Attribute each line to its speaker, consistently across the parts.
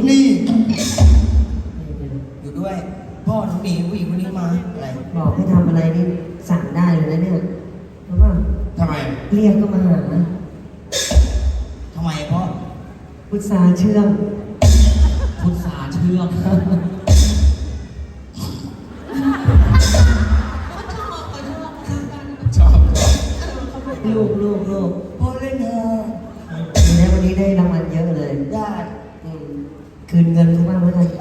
Speaker 1: นี่อยู่ด้วยพ่อน้องหนีผู้หญิงคนนี้มาอะไร
Speaker 2: บอกให้ทำอะไรนี่สั่งได้เลยนะเนี่ยรู้ป่ะ
Speaker 1: ทำไม
Speaker 2: เรียกก็มาหา
Speaker 1: ทำไมพ่อ
Speaker 2: พุทธาเชื่อม
Speaker 1: พุทธาเชื่อมชอบ
Speaker 2: ลูก
Speaker 1: พ่อเล่นเถอะ
Speaker 2: วันนี้ได้รางวัลเยอะเลย
Speaker 1: ได้
Speaker 2: คืนเงินเขาบ้างไหมล่ะ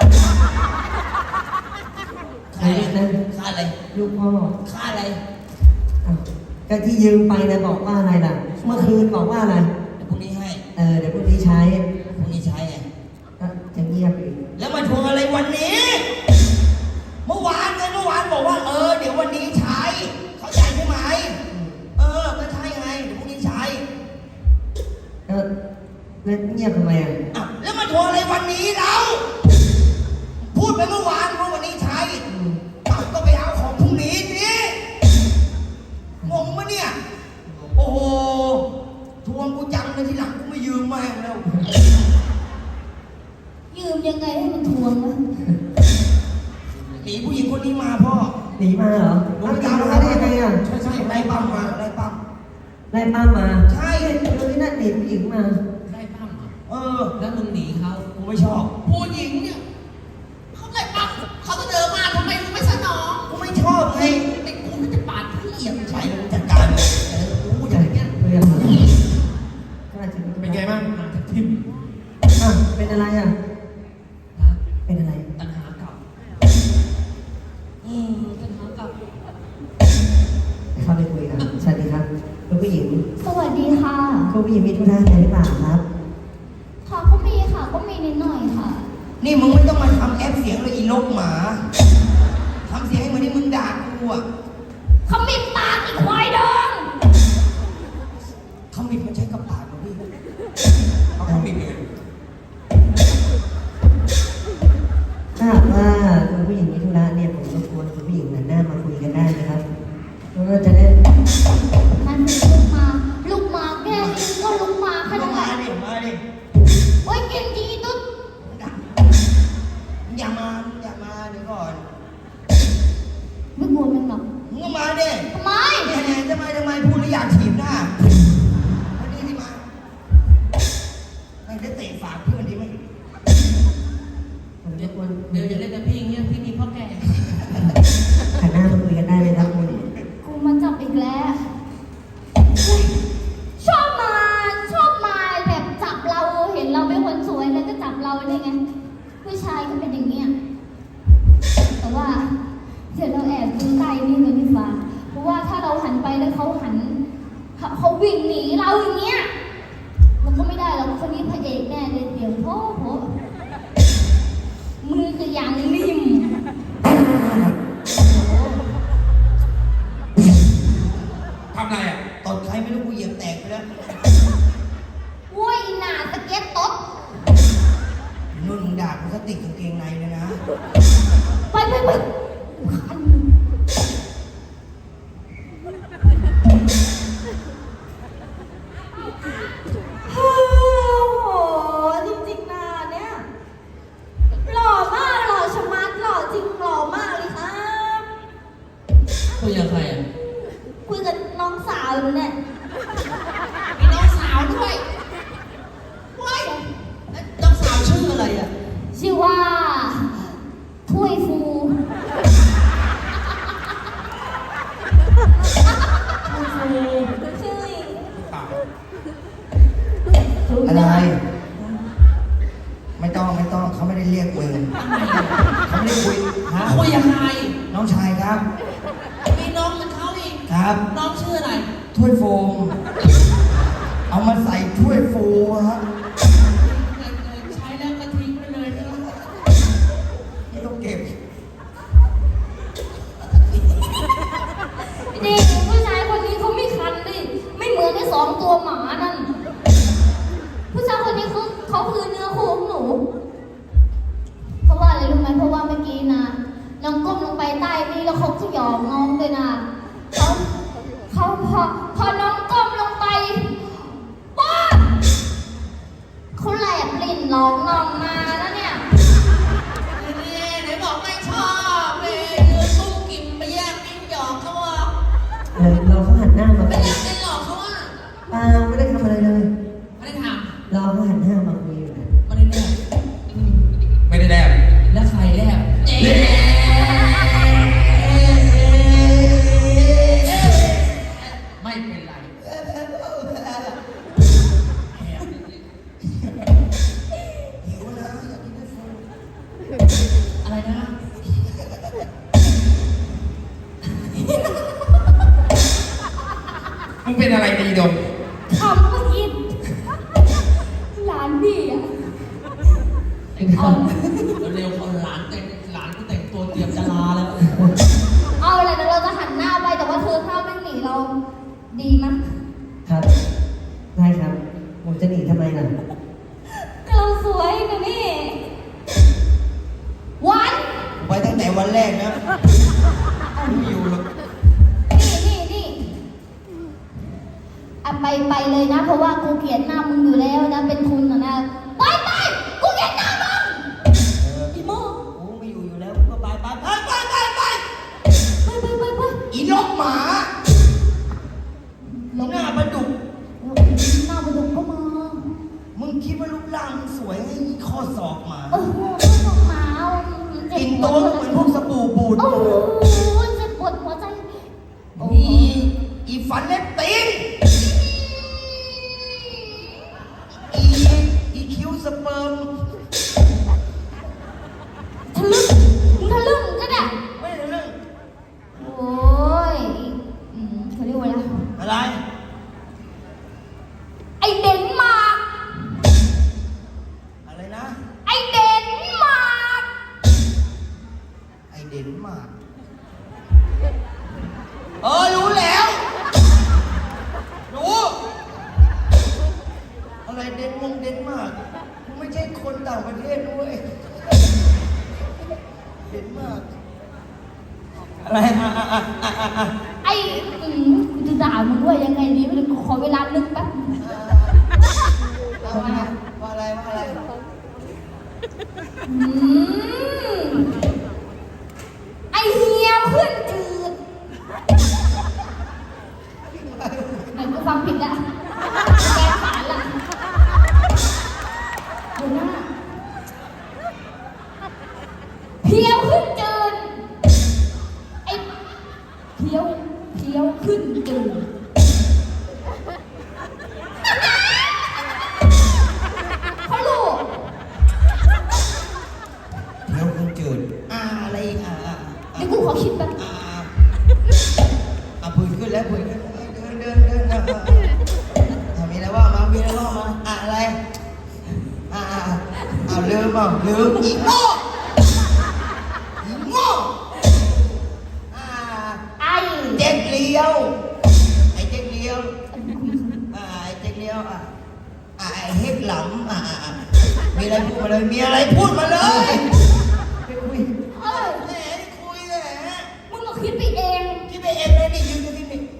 Speaker 1: ค่าอะไรค่าอะไร
Speaker 2: ลูกพ่อ
Speaker 1: ค่าอะไร
Speaker 2: ก็ที่ยืมไปนะบอกว่าอะไรล่ะเมื่อคืนบอกว่าอะไร
Speaker 1: เดี๋ยวพรุ่งนี้ให้
Speaker 2: เดี๋ยวพรุ่งนี้ใช้
Speaker 1: พรุ่งนี้ใช้ไง
Speaker 2: จะเงียบอีก
Speaker 1: แล้วมาทวงอะไรวันนี้เมื่อวานบอกว่าเดี๋ยววันนี้ใช้เข้าใจใช่ไหมก็ใช่ไงเดี๋ยวพรุ่งนี้ใช้
Speaker 2: แล้วเงียบทำไม
Speaker 1: แล้วมาทวงอะไรวันนี้เราพูดไปเมื่อวานว่าวันนี้ใช้ก็ไปเอาของพรุ่งนี้สิงงปะเนี่ยโอ้โหทวงกูจังเลยทีหลังกูไม่ยืมแม่งแล้ว
Speaker 3: ยืมยังไงให้มันทวงวะ
Speaker 1: หนีผู้หญิงคนนี้มาพ่อ
Speaker 2: หนีมาเหรอ
Speaker 1: รู้จัก
Speaker 2: มาได้ยังไง
Speaker 1: ใช่ไล่ปั้มมาไล่ปั้ม
Speaker 2: มา
Speaker 1: ใช่
Speaker 2: ดูที่นั่นหนีผู้หญิงมา
Speaker 1: ไล่ปั้มแล้วมึงหนีเขากูไม่ชอบ
Speaker 4: ผู้หญิงเนี่ยเขาไล่ปั้มเขาจะเดินมาทำไมมึงไม่สนอง
Speaker 1: กูไม่ชอบไง
Speaker 4: ไอ้กูมันจะปาดที่เอี่ยม
Speaker 1: ใช่มึงจัดการกูอย่างเงี้ย
Speaker 4: เป็นไงบ้างทิม
Speaker 2: เป็นอะไรเป็นอะไร
Speaker 4: ตัณหาเก่าตัณหาเก่า
Speaker 2: เข้าไปคุยกันสวัสดีครับคุณผู้หญิง
Speaker 3: สวัสดีค่ะ
Speaker 2: คุณผู้หญิงมีธุระอะไรหรือเปล่าครับ
Speaker 3: ค่ะก็มีค่ะก็มีนิดหน่อยค่ะ
Speaker 1: นี่มึงไม่ต้องมาทำแอปเสียงเลยอีลกหมาทำเสียงให้เหมือนที่มึงด่ากู
Speaker 3: ขมิบปากอีกควายดอง
Speaker 1: ขมิบมันใช้กับปากเหรอพี่เอาขมิบเลย
Speaker 2: ถ้าหากว่าคุณผู้หญิงมีธุระเนี่ยผมรบกวนคุณผู้หญิงหันหน้ามาคุยกันได้นะครับเราจะได้
Speaker 3: นั่นเป็นลูกมาแค่นี้ก็ลูกมาแค่นั้น
Speaker 1: มาดิ
Speaker 3: โอ้ยเก่งจริงตุ๊ด
Speaker 1: อย่ามาเดี๋ยวก่อน
Speaker 3: ไม่กลัวมันหรอก
Speaker 1: มึงก็มาดิ
Speaker 3: ทำไม
Speaker 1: ทำไมพูดแล้วอยากถีบหน้าอันนี้ที่มาไม่ได้เตะฝากเพื่อนดีไหม
Speaker 4: เดี๋ยวอย่าเล่นกับพี่อย่างเงี้ยพี่มีพ่อแก่
Speaker 2: หันหน้ามาคุยกันได้เลยครับคุณ
Speaker 3: กูมาจับอีกแล้วชอบมาแบบจับเราเห็นเราเป็นคนสวยแล้วก็จับเราได้ไงผู้ชายก็เป็นอย่างเงี้ยแต่ว่าเดี๋ยวเราแอบดูใต้นี่เลยดีกว่าเพราะว่าถ้าเราหันไปแล้วเขาวิ่งหนีเราอย่างเงี้ยมันก็ไม่ได้หรอกคนนี้พระเอกแน่เลยเดี๋ยวพ่อมือคือยางริม
Speaker 1: ทำไรตดใครไม่รู้กูเหยียบแตกไปแล้ว
Speaker 3: โว้ยหนาตะเกียบตด
Speaker 1: นุ่นมึงด่ากูสติกกางเกงในเลยนะ
Speaker 3: ไปจริงๆนะเนี่ยหล่อมากหล่อชะมัดหล่อจริงหล่อมากเลยครับ
Speaker 4: คุยกับใคร
Speaker 3: คุยกับน้องสาวอยู่เนี่ย
Speaker 4: มีน้องสาวด้วยว้ายน้องสาวชื่ออะไร
Speaker 3: ชื่อว่าถ้วยฟู
Speaker 1: อะไรไม่ต้องเขาไม่ได้เรียกมึงเขาไม่ได้คุย
Speaker 4: คุยกับใคร
Speaker 1: น้องชายครับ
Speaker 4: มีน้องเหมือนเขาอีก
Speaker 1: ครับ
Speaker 4: น้องชื่ออะไร
Speaker 1: ถ้วยโฟมเอามาใส่ถ้วยโฟฮะ
Speaker 4: ใช้แล้วก็ทิ้งไปเลย
Speaker 1: ไม่ต้องเก็บ
Speaker 3: นี่ผู้ชายคนนี้เขาไม่คันดิไม่เหมือนไอ้สองตัวหมานั่นผู้ชายคนนี้เขาคือเนื้อคู่ของหนูเพราะว่าอะไรรู้ไหมเพราะว่าเมื่อกี้นะน้องก้มลงไปใต้นี่แล้วเขาหยอกน้องด้วยนะเขาพอน้องก้มลงไปป๊าเขาแลบลิ้นหลอกน้องมาแล้วเนี่ย
Speaker 4: ไหนบอกไม่ชอบเลยยืนสู้กิมไปแย่งนิ้วหยอกเขาอ่ะ
Speaker 2: เราเขาหันหน้ามา
Speaker 4: ไม่
Speaker 2: คุย
Speaker 4: อยากเล่นหลอกเขาอ่ะ
Speaker 2: เปล่าไม่ได้ทำอะไรเลย
Speaker 4: ไม่ได้ท
Speaker 2: เราเขาหันหน้ามาคุยอยู่นะ
Speaker 4: ำไม่ได้แลบ
Speaker 5: ไม่ได้แลบ
Speaker 4: แล้วใครแลบเจ๊ไม่เป็นไรอะไรนะ
Speaker 5: มึงเป็นอะไรดีดม
Speaker 3: ทำเมื่อกี้หลานพี่อ่ะ
Speaker 4: เร็วเขาหลานก็แต่งตัวเตรียมจะลาแล้ว
Speaker 3: เอาอะไรนะเราจะหันหน้าไปแต่ว่าเธอถ้าไม่หนีเราดีมั้ย
Speaker 2: ครับได้ครับผมจะหนีทำไมล่ะ
Speaker 3: เราสวยนะนี่วัน
Speaker 1: ไว้ตั้งแต่วันแรกนะไม่อยู่หรอก
Speaker 3: นี่อ่ะไปเลยนะ เพราะว่ากูเกลียดหน้ามึงอยู่แล้วนะเป็นทุนนะไปกูเกลียดหน้ามึงอีโม่
Speaker 1: กูไม่อยู่แล้วก็ไปไป
Speaker 3: ไป
Speaker 1: อีนกหมาหน้าประดุก
Speaker 3: หน้าประดุกก็มา
Speaker 1: มึงคิดว่ารูปร่างมึงสวยให้อีข้อศอกหมา
Speaker 3: ต้องมา
Speaker 1: กินตัวก็เหมือนพวกสบู่บูด
Speaker 3: โอ้โหเจ็บปวดหัวใจ
Speaker 1: อีฟันเล็บตีนอีคิ้วสเปิร์ม
Speaker 3: ทะลึ่งก็ได้
Speaker 1: ไม่ได้เรื่อง
Speaker 3: โอ้ยเขาเรียกว่าอะไร
Speaker 1: อะไร
Speaker 3: ไอเดนมาร์ก
Speaker 1: อะไรนะ
Speaker 3: ไอเดนมาร์ก
Speaker 1: ไอเดนมาร์กรู้แล้วรู้อะไรเดนมาร์กกูไม่ใช่คนต่างประเทศด้วยเดนมาร์กอะไร
Speaker 3: ไอกูจะด่ามึงว่ายังไงดีไม่รู้ขอเวลานึกแป๊บ
Speaker 1: ว่าอะไร
Speaker 3: ไอเฮียขึ้นจืดเหมือนกูฟังผิดอะแกขานละดูหน้าเพียวขึ้นจืดไอเพียวขึ้นจืดเขาลูก
Speaker 1: เดี๋ยวคุณจืดอะไรอีก
Speaker 3: เดี๋ยวกูขอคิดแป๊บ
Speaker 1: ปืนขึ้นแล้วปืนขึ้นเดินมีอะไรว่ามาอะไรลืมอีกโง่
Speaker 3: ไอ
Speaker 1: เจ๊กเลี้ยวไอ้เจ๊กเลี้ยวไอ้เฮ็ดหลำมีอะไรพูดมาเลยไปคุย
Speaker 3: เอ้ย
Speaker 1: แหมคุยแหม
Speaker 3: มึงก็คิดไปเอง
Speaker 1: คิดไปเองเลยนี่ยืนอยู่ที่นี่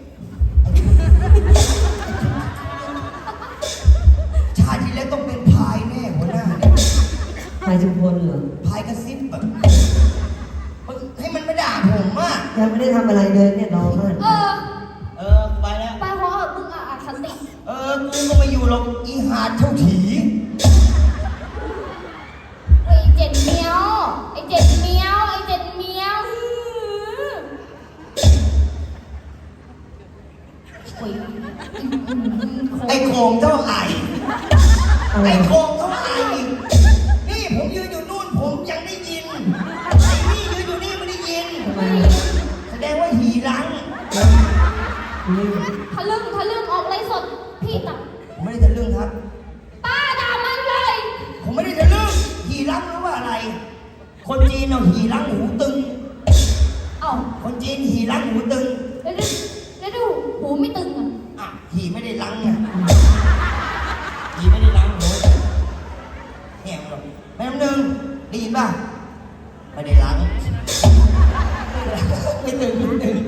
Speaker 1: ชาติที่แล้วต้องเป็นพายแน่หัวหน้าเนี่ย
Speaker 2: พายชุมพลเหรอ
Speaker 1: พายกระซิบแบบให้มันไม่ด่าผมอ่ะ
Speaker 2: ยังไม่ได้ทำอะไรเลยเนี่ยน้องมัน
Speaker 1: ไปแล้ว
Speaker 3: ไปเพราะมึงอ่ะอคติ
Speaker 1: กูก็ไม่อยู่หรอกอีหาดเท่าถี
Speaker 3: ไอเจ็ดเมียวไอเจ็ดเมียวโอ้ย
Speaker 1: ไอ้โคงเท่าไอ
Speaker 2: อะไร
Speaker 1: ไอ้โคงเท่าไอนี่ผมยืนอยู่นู่นผมยังได้ยินไอ้นี่ยืนอยู่นี่ไม่ได้ยิน
Speaker 2: ทำไม
Speaker 1: แสดงว่าหีรัง
Speaker 2: นี่
Speaker 3: ทะลึ่งออกไรสดพี่ตัก
Speaker 1: ผมไม่ได้จะเรื่องครับ
Speaker 3: ป้าด่ามันเลย
Speaker 1: ผมไม่ได้จะเรื่องหีรังหรือว่าอะไร คนจีนเอาหีรังหูตึง
Speaker 3: เอ้า
Speaker 1: คนจีนหีรังหูตึง
Speaker 3: แล้วดูหูไม่ตึงอ่ะ
Speaker 1: หีไม่ได้รังอ่ะหีไม่ได้รังโหแง่หรอกแม่น้ำหนึ่งได้ยินป่ะไม่ได้รังไม่ตึง